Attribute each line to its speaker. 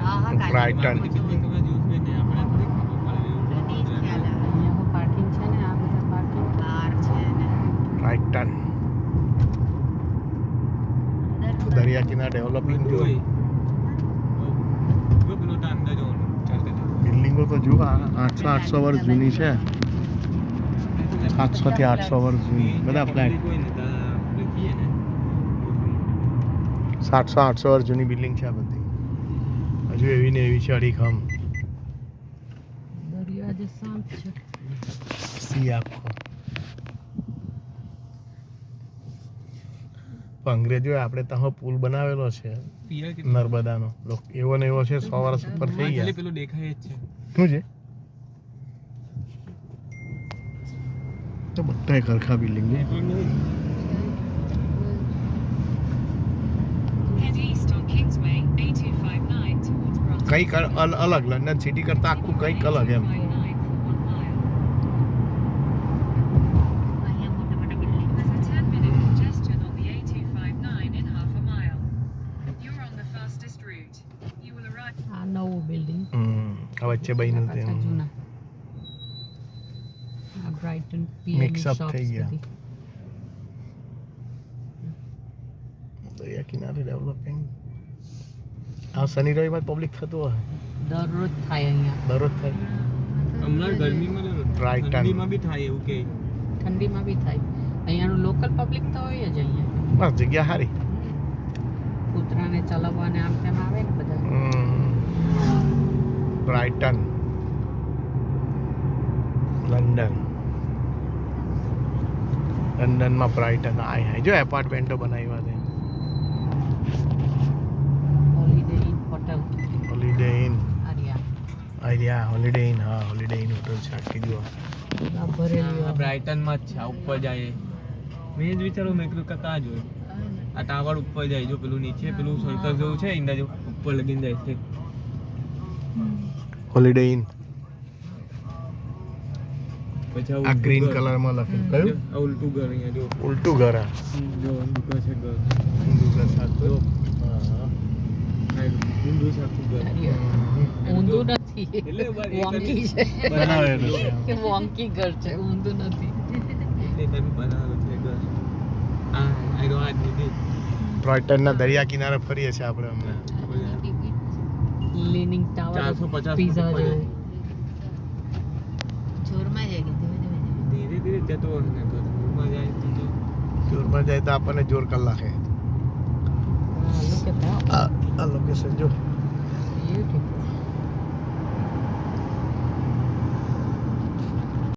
Speaker 1: brighten brighten દરિયા કિનારે development જો બિલ્ડિંગો તો જુઓ 800 વર્ષ જૂની છે 700 થી 800 વર્ષ જૂની બધા ફ્લેટ 700-800 વર્ષ જૂની બિલ્ડિંગ છે આ બધી હજુ એવી ને એવી છે અડીખમ
Speaker 2: દરિયા જે શાંત છે
Speaker 1: સી આખો અંગ્રેજોએ આપણે ત્યાં પુલ બનાવેલો છે નર્મદાનો એવો ને એવો છે 100 વર્ષ ઉપર થઈ ગયા
Speaker 3: પેલું દેખાય જ છે
Speaker 1: શું છે તો બધા ખરખા બિલ્ડિંગ કંઈક અલગ લંડન સિટી કરતા આખું કંઈક અલગ એમ
Speaker 2: આ નવું બિલ્ડિંગ
Speaker 1: આ વચ્ચે બન્યું છે
Speaker 2: જૂના આ બ્રાઇટન
Speaker 1: મિક્સ અપ થઈ ગયા દરિયા કિનારે ડેવલપિંગ આ શનિ રવિવાર પબ્લિક થતું હોય
Speaker 2: દરરોજ થાય અહીંયા
Speaker 1: દરરોજ થાય
Speaker 3: હમણાં ગરમીમાં
Speaker 1: બ્રાઇટન
Speaker 3: ઠંડીમાં બી થાય એવું કે
Speaker 2: ઠંડીમાં બી થાય અહીંયાનું લોકલ પબ્લિક તો હોય જ અહીંયા
Speaker 1: બસ જગ્યા સારી
Speaker 2: કૂતરાને ચલાવવાને આમ તેમ આવે ને બધા
Speaker 1: બ્રાઇટન લંડન લંડનમાં બ્રાઇટન હાય જો એપાર્ટમેન્ટો બનાવ્યા છે
Speaker 2: holiday inn hotel
Speaker 1: holiday inn
Speaker 2: આર્યા
Speaker 1: હોલિડે ઇન હા હોલિડે ઇન હોટલ છે આખી જુઓ
Speaker 2: આ ભરેલી
Speaker 3: આ બ્રાઇટનમાં જ છે આ ઉપર જાય મેં જ વિચારું મેં કીધું કતા જોયું આ ટાવર ઉપર જાય જો પેલું નીચે પેલું સર્કલ જેવું છે ઇન્ડા જેવું ઉપર લગીને જાય છે
Speaker 1: હોલિડે ઇન
Speaker 3: પછી
Speaker 1: આ ગ્રીન કલરમાં લખેલું કયું
Speaker 3: આ ઉલટું ઘર અહીંયા જો
Speaker 1: ઉલટું ઘર આ
Speaker 3: જો ઊંધું છે ઘર
Speaker 1: ઊંધું ઘર સાચું
Speaker 3: જો
Speaker 1: હા
Speaker 3: ઊંધું સાચું ઘર
Speaker 2: ઊંધું નથી
Speaker 3: એટલે
Speaker 2: વોંકી છે
Speaker 1: બનાવેલું છે
Speaker 2: કે વોંકી ઘર છે ઊંધું નથી
Speaker 3: એ તમે બનાવેલું છે ઘર આ આયરો આ દીદી
Speaker 1: બ્રાઇટનના દરિયા કિનારે ફરીએ છીએ આપણે હમણાં
Speaker 2: લીનિંગ ટાવર
Speaker 3: 450
Speaker 2: પીઝા
Speaker 3: ઉપર
Speaker 2: જેવું જોરમાં જાય કે
Speaker 3: ધીરે ધીરે જતો હોય ને ઘરમાં જાય તો
Speaker 1: જોરમાં જાય તો આપણને જોર કલાકે
Speaker 2: લુક એટ ધેટ
Speaker 1: આ લોકેશન જો